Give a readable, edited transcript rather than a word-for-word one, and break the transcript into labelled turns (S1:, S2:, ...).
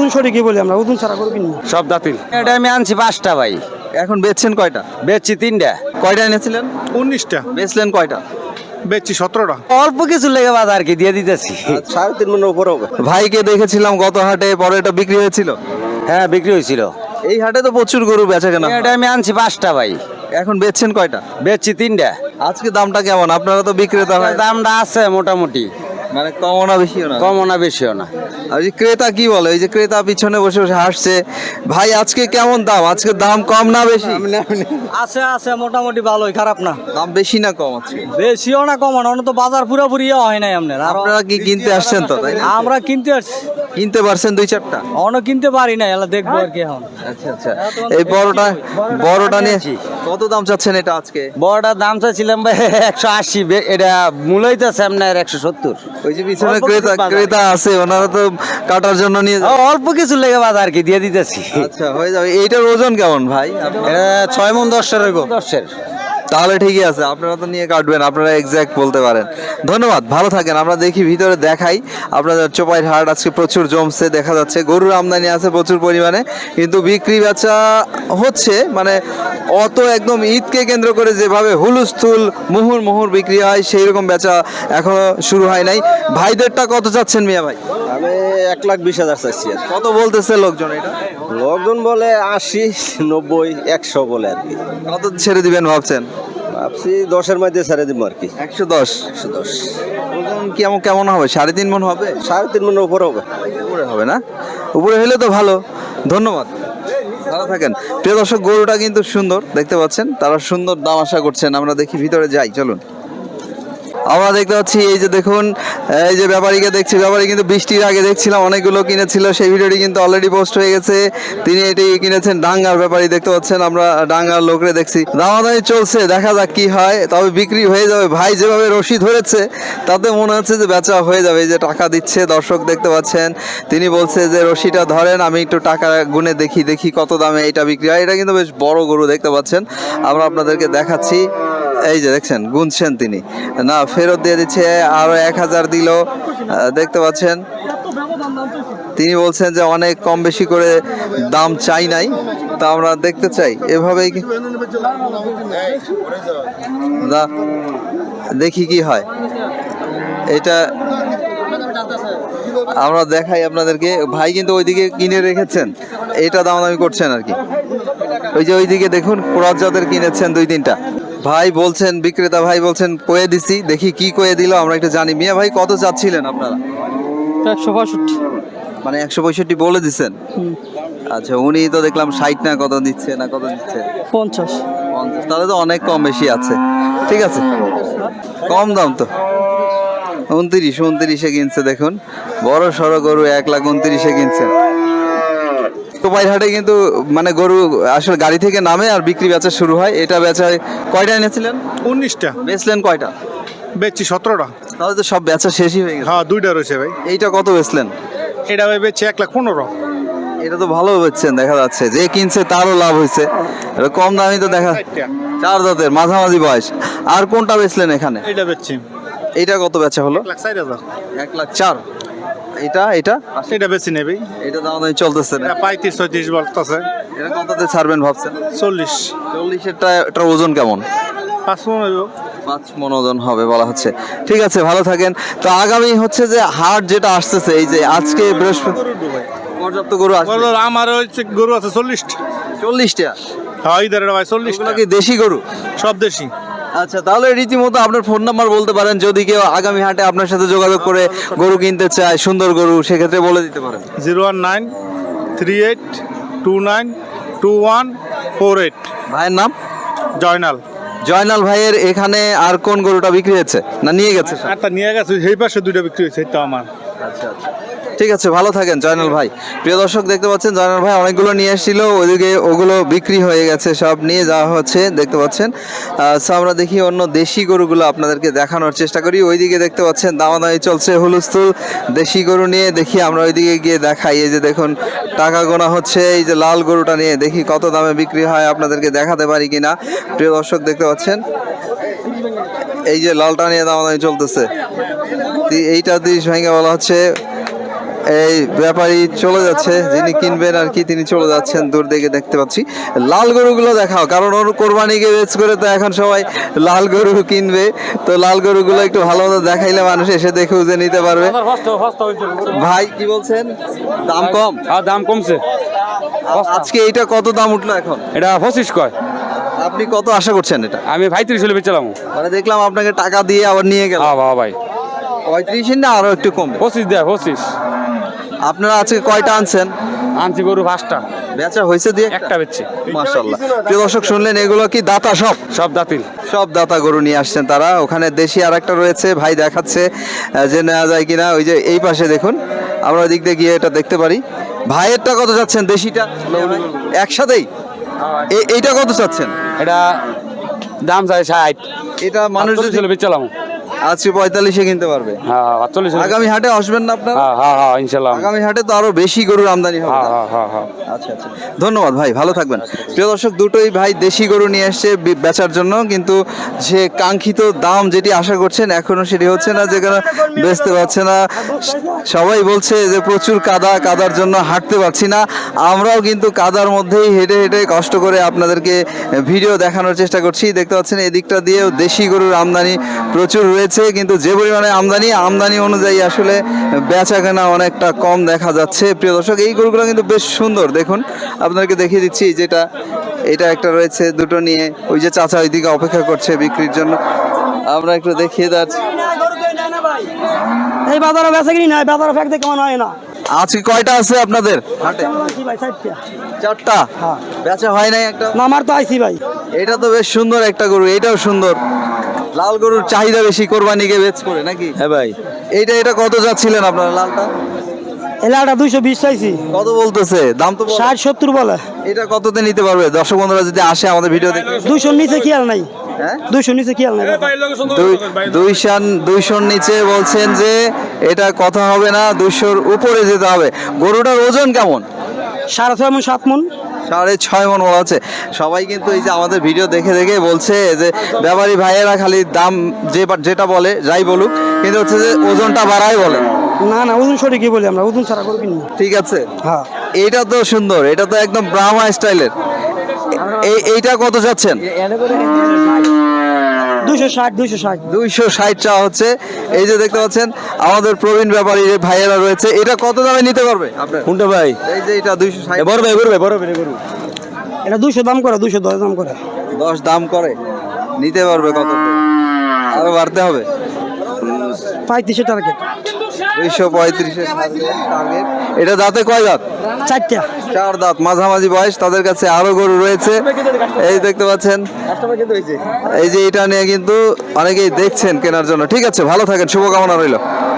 S1: ওজন সঠিকই বলি আমরা, ওজন ছাড়া গরু কিনি না।
S2: সব দাঁতিল।
S3: এটা আমি আনছি 5টা ভাই,
S4: এখন বেচছেন কয়টা?
S3: বেচছি 3টা।
S4: কয়টা এনেছিলেন?
S5: 19টা।
S4: বেচলেন কয়টা?
S5: বেচছি 17টা।
S3: অল্প কিছু লেগে বাজার কি দিয়ে দিতেছি।
S4: 3.5 মনের উপর হবে। ভাইকে দেখেছিলাম গত হাটে, পরে এটা বিক্রি হয়েছিল।
S3: হ্যাঁ বিক্রি হয়েছিল।
S4: এই হাটে তো প্রচুর গরু বেচা কেনা।
S3: এটা আমি আনছি 5টা ভাই,
S4: এখন বেচছেন কয়টা?
S3: বেচছি 3টা।
S4: আজকে দামটা কেমন? আপনারা তো বিক্রেতা ভাই।
S3: দামটা আছে মোটামুটি,
S4: মানে কমও না বেশিও না।
S3: কমও না বেশিও না।
S4: আর এই ক্রেতা কি বলে? এই যে ক্রেতা পিছনে বসে বসে হাসছে। ভাই আজকে কেমন দাম? আজকে দাম কম না বেশি?
S1: আছে আছে মোটামুটি ভালোই, খারাপ না।
S4: দাম বেশি না কম আছে?
S1: বেশিও না কমও না, তো বাজার পুরোপুরি হয় নাই আপনার। আর
S4: আপনারা কি কিনতে আসছেন তো, তাই না?
S1: আমরা কিনতে আসছি,
S4: কিনতে পারছেন 2-4টা?
S1: অন্য কিনতে পারি না, এলা দেখবো আর কি এখন।
S4: আচ্ছা আচ্ছা। এই বড়টা নিয়েছি। কত দাম চাচ্ছেন এটা আজকে?
S3: বড়টার দাম চাইছিলাম ভাই 180, এটা মূল হইতেছে আপনার 170।
S4: ওই যে পিছনে ক্রেতা আছে, ওনারা তো কাটার জন্য নিয়ে যাবে।
S3: অল্প কিছু লেগে বাজার কি দিয়ে দিতেছি।
S4: আচ্ছা হয়ে যাবে। এইটার ওজন কেমন ভাই?
S3: এটা 6 মণ 10-এর হইব। 10-এর।
S4: তাহলে ঠিকই আছে, আপনারা তো নিয়ে কাটবেন, আপনারা এক্সাক্ট বলতে পারেন। ধন্যবাদ, ভালো থাকেন। আমরা দেখি ভিতরে দেখাই আপনাদের চোপাইর হাট আজকে প্রচুর জমছে, দেখা যাচ্ছে গরুর আমদানি আছে প্রচুর পরিমাণে, কিন্তু বিক্রি বেচা হচ্ছে মানে অত একদম ঈদকে কেন্দ্র করে যেভাবে হুলুস্থুল মুহুর বিক্রি হয় সেই রকম বেচা এখনো শুরু হয় নাই। ভাইদেরটা কত চাচ্ছেন মিয়া ভাই?
S2: আমি 1,20,000 চাইছি।
S4: কত বলতেছে লোকজন এটা?
S2: লোকজন বলে 80, 90, 100 বলে আর কি।
S4: কত ছেড়ে দিবেন ভাবছেন?
S2: ভাবছি 10-এর মধ্যে ছেড়ে দিব আর কি।
S4: 110।
S2: 110।
S4: ওজন কেমন হবে? 3.5 মণ হবে?
S2: 3.5 মনের উপর হবে।
S4: উপরে হবে না? উপরে হলে তো ভালো। ধন্যবাদ, ভালো থাকেন। প্রিয় দর্শক, গরুটা কিন্তু সুন্দর দেখতে পাচ্ছেন, তারা সুন্দর দাম আশা করছেন। আমরা দেখি ভিতরে যাই, চলুন। আমরা দেখতে পাচ্ছি এই যে দেখুন, এই যে ব্যাপারীকে দেখছি, ব্যাপারী কিন্তু বৃষ্টির আগে দেখছিলাম অনেকগুলো কিনেছিল, সেই ভিডিওটি কিন্তু অলরেডি পোস্ট হয়ে গেছে। তিনি এটি কিনেছেন, ডাঙ্গার ব্যাপারী দেখতে পাচ্ছেন, আমরা ডাঙ্গার লোকরে দেখছি। দামাদামি চলছে, দেখা যাক কি হয়, তবে বিক্রি হয়ে যাবে। ভাই যেভাবে রশি ধরেছে তাতে মনে হচ্ছে যে বেচা হয়ে যাবে। এই যে টাকা দিচ্ছে, দর্শক দেখতে পাচ্ছেন, তিনি বলছে যে রশিটা ধরেন, আমি একটু টাকা গুনে দেখি কত দামে এটা বিক্রি হয়। এটা কিন্তু বেশ বড় গরু দেখতে পাচ্ছেন, আমরা আপনাদেরকে দেখাচ্ছি। এই যে দেখছেন, গুনছেন তিনি, না ফেরত দিয়ে দিচ্ছে, আরো 1,000 দিল, দেখতে পাচ্ছেন। তিনি বলছেন যে অনেক কম বেশি করে দাম চাই নাই, তা আমরা দেখতে চাই এভাবেই দেখি কি হয়। এটা আমরা দেখাই আপনাদেরকে। ভাই কিন্তু ওইদিকে কিনে রেখেছেন, এটা দামাদামি করছেন আর কি। ওই যে ওইদিকে দেখুন, ক্রস জাতের কিনেছেন 2-3টা। ভাই বলছেন, বিক্রেতা ভাই বলছেন কয়ে দিছি, দেখি কি কয়ে দিল আমরা একটু জানি। মিয়া ভাই কত চাচ্ছিলেন আপনারা?
S1: 165।
S4: মানে 165 বলে দিচ্ছেন? আচ্ছা, উনি তো দেখলাম 60 না কত দিচ্ছে, না কত দিচ্ছে?
S1: 50।
S4: তাহলে তো অনেক কম বেশি আছে। ঠিক আছে, কম দাম তো। 29 কিনছে দেখুন, বড় সড়ো গরু 1,29,000 কিনছে। চোপাইর হাটে কিন্তু মানে গরু আসলে গাড়ি থেকে নামে আর বিক্রি বেচা শুরু হয়। এটা বেচায় কয়টা এনেছিলেন?
S5: 19টা।
S4: বেচলেন কয়টা?
S5: বেচছি 17টা।
S4: তাহলে তো সব বেচা শেষই হয়ে গেছে।
S5: হ্যাঁ 2টা রয়েছে ভাই।
S4: এইটা কত বেচলেন?
S5: এটা ভাই বেচছি 1,15,000।
S4: এটা তো ভালো বেচছেন, দেখা যাচ্ছে যে কিনছে তারও লাভ হয়েছে। এটা কম দামি তো দেখা। 4 দাঁতের, মাঝামাঝি বয়স। আর কোনটা বেচলেন এখানে?
S5: এটা বেচছি।
S4: এইটা কত বেচা হলো?
S5: 1,04,000।
S4: 1,04,000। এটা
S5: এটা বেচি নেবে।
S4: এটা দাম দামি চলতেছে না?
S5: এটা 35-36 বলতেছে।
S4: এটা কততে ছাড়বেন ভাবছেন?
S5: 40।
S4: 40-এরটা এটার ওজন কেমন?
S5: 5 মণ হইব।
S4: 5 মণ ওজন হবে বলা হচ্ছে। ঠিক আছে, ভালো থাকেন। তো আগামী হচ্ছে যে হাট যেটা আসতেছে, এই যে আজকে বৃহস্পতি, পর্যাপ্ত গরু আসবে।
S5: আমার হচ্ছে গরু আছে 40টা।
S4: 40টা?
S5: হ্যাঁ ইদার ভাই 40টা।
S4: এগুলো কি দেশি গরু?
S5: সব দেশি।
S4: আচ্ছা, তাহলে রীতিমতো আপনার ফোন নাম্বার বলতে পারেন, যদি কেউ আগামী হাটে আপনার সাথে যোগাযোগ করে গরু কিনতে চায়, সুন্দর গরু, সেক্ষেত্রে বলে দিতে পারেন।
S5: 01938212148।
S4: ভাইয়ের নাম?
S5: জয়নাল।
S4: জয়নাল ভাইয়ের এখানে আর কোন গরুটা বিক্রি হয়েছে না নিয়ে গেছে?
S5: একটা নিয়ে গেছে, সেই পাশে 2টা বিক্রি হয়েছে, এটা আমার।
S4: আচ্ছা আচ্ছা, ঠিক আছে, ভালো থাকেন জয়নাল ভাই। প্রিয় দর্শক দেখতে পাচ্ছেন, জয়নাল ভাই অনেকগুলো নিয়ে এসেছিল, ওইদিকে ওগুলো বিক্রি হয়ে গেছে, সব নিয়ে যাওয়া হচ্ছে দেখতে পাচ্ছেন। সো আমরা দেখি অন্য দেশি গরুগুলো আপনাদেরকে দেখানোর চেষ্টা করি। ওইদিকে দেখতে পাচ্ছেন দামাদামি চলছে হুলস্থুল দেশি গরু নিয়ে। দেখি আমরা ওইদিকে গিয়ে দেখাই। এই যে দেখুন, টাকা গোনা হচ্ছে। এই যে লাল গরুটা নিয়ে দেখি কত দামে বিক্রি হয়, আপনাদেরকে দেখাতে পারি কিনা। প্রিয় দর্শক দেখতে পাচ্ছেন, এই যে লালটা নিয়ে দামাদামি চলতেছে। এইটা 30 ভেঙে বলা হচ্ছে এই ব্যাপারী চলে যাচ্ছে, যিনি কিনবেন আর কি তিনি চলে যাচ্ছেন দূর দিকে দেখতে পাচ্ছি। লাল গরুগুলো দেখাও, কারণ ওর কোরবানিকে বেচ করে তো এখন সবাই লাল গরু কিনবে, তো লাল গরুগুলো একটু ভালো মতো দেখাইলে মানুষ এসে দেখে বুঝে নিতে পারবে। ভাই কি বলছেন, দাম কম?
S6: দাম কমছে।
S4: আজকে এইটা কত দাম উঠলো এখন?
S6: এটা 25 কয়।
S4: আপনি কত আশা করছেন এটা?
S6: আমি 35 হলে বেচলাম।
S4: মানে দেখলাম আপনাকে টাকা দিয়ে আবার নিয়ে গেল।
S6: হ্যাঁ বাবা ভাই,
S4: 35 না আরো একটু কম?
S6: 25 দেয় 25।
S4: আপনারা আজকে কয়টা আনছেন?
S6: আনছি গরু 5টা,
S4: বেচা হয়েছে দিয়ে
S6: একটা বেচছি।
S4: মাশাআল্লাহ। প্রিয় দর্শক শুনলেন, এগুলো কি দাতা?
S6: সব দাঁতিল।
S4: সব দাতা গরু নিয়ে আসছেন তারা। ওখানে দেশি আর একটা রয়েছে, ভাই দেখাচ্ছে যে নেওয়া যায় কিনা। ওই যে এই পাশে দেখুন, আমরা ওই দিক দিয়ে গিয়ে এটা দেখতে পারি। ভাইয়েরটা কত চাচ্ছেন দেশিটা? একসাথেই এইটা কত চাচ্ছেন?
S6: এটা দাম চাই 60।
S4: এটা মানুষ যদি
S6: হলে বেচলাম।
S4: আজকে 45-এ কিনতে পারবে।
S6: হ্যাঁ 48।
S4: আগামী হাটে আসবেন না আপনারা?
S6: হ্যাঁ ইনশাআল্লাহ।
S4: আগামী হাটে তো আরো বেশি গরুর আমদানি হবে।
S6: হ্যাঁ।
S4: আচ্ছা আচ্ছা, ধন্যবাদ ভাই, ভালো থাকবেন। প্রিয় দর্শক, দুটোই ভাই দেশি গরু নিয়ে এসছে বেচার জন্য, কিন্তু সে কাঙ্ক্ষিত দাম যেটি আশা করছেন এখনো সেটি হচ্ছে না, যেখানে বেচতে পারছে না। সবাই বলছে যে প্রচুর কাদার জন্য হাঁটতে পারছি না। আমরাও কিন্তু কাদার মধ্যেই হেঁটে হেঁটে কষ্ট করে আপনাদেরকে ভিডিও দেখানোর চেষ্টা করছি। দেখতে পাচ্ছেন এদিকটা দিয়েও দেশি গরুর আমদানি প্রচুর রয়েছে, কিন্তু যে পরিমাণে আমদানি অনুযায়ী আসলে বেচা কেনা অনেকটা কম দেখা যাচ্ছে। প্রিয় দর্শক, এই গরুগুলো কিন্তু বেশ সুন্দর, দেখুন আপনাদেরকে দেখিয়ে দিচ্ছি। যেটা এটা একটা রয়েছে, দুটো নিয়ে ওই যে চাচা ওইদিকে অপেক্ষা করছে বিক্রির জন্য, আমরা একটু দেখিয়ে যাচ্ছি।
S1: এই বাজারে বেচা কিনি নাই, বাজারে ফেক কেমন হয় না।
S4: আজকে কয়টা আছে আপনাদের হাটে? চারটা। বেচা হয় নাই একটা?
S1: না, আমার তো আইছি ভাই।
S4: এটা তো বেশ সুন্দর একটা গরু, এটাও সুন্দর। লাল গরুর চাহিদা বেশি কোরবানিকে বেচ করে নাকি?
S3: হ্যাঁ ভাই,
S4: এটা কত যাচ্ছিলেন আপনারা লালটা?
S1: এলাটা 220 চাইছি।
S4: কত বলতেছে দাম? তো
S1: 60-70 বলে।
S4: এটা কততে নিতে পারবে দর্শক বন্ধুরা যদি আসে আমাদের ভিডিও দেখে?
S1: 200 নিচে খেয়াল নাই।
S4: হ্যাঁ
S1: 200 নিচে খেয়াল নাই।
S4: 200 নিচে বলছেন যে এটা কথা হবে না, 200-র উপরে যেতে হবে। গরুটার ওজন কেমন?
S1: 6.5 মণ 7 মণ।
S4: 6.5 মণ বলা হচ্ছে। সবাই কিন্তু এই যে আমাদের ভিডিও দেখে দেখে বলছে যে ব্যাপারী ভাইয়েরা খালি দাম যেটা বলে যাই বলুক, কিন্তু হচ্ছে যে ওজনটা বাড়াই বলে।
S1: না ওজন সঠিকই বলি আমরা, ওজন ছাড়া করবি না।
S4: ঠিক আছে।
S1: হ্যাঁ,
S4: এটা তো সুন্দর, এটা তো একদম ব্রাহ্মা স্টাইলের। এইটা কত যাচ্ছেন?
S1: 260
S4: চা হচ্ছে। এই যে দেখতে পাচ্ছেন আমাদের প্রবীণ ব্যাপারী ভাইয়েরা রয়েছে, এটা কত দামে নিতে পারবে আপনার?
S3: কোনটা ভাই?
S4: এই যে এটা 260।
S3: বড় ভাই গরু।
S1: এটা 200 দাম করে, 210 দাম করে।
S4: 10 দাম করে, নিতে পারবে কত? আরো বাড়তে হবে।
S1: 35 টার্গেট।
S4: 235 টার্গেট। এটা দাঁতে কয় দাঁত?
S1: 4টা।
S4: 4 দাঁত, মাঝামাঝি বয়স। তাদের কাছে আরো গরু রয়েছে, এই দেখতে পাচ্ছেন। এই যে এটা নিয়ে কিন্তু অনেকেই দেখছেন কেনার জন্য। ঠিক আছে, ভালো থাকেন, শুভকামনা রইল।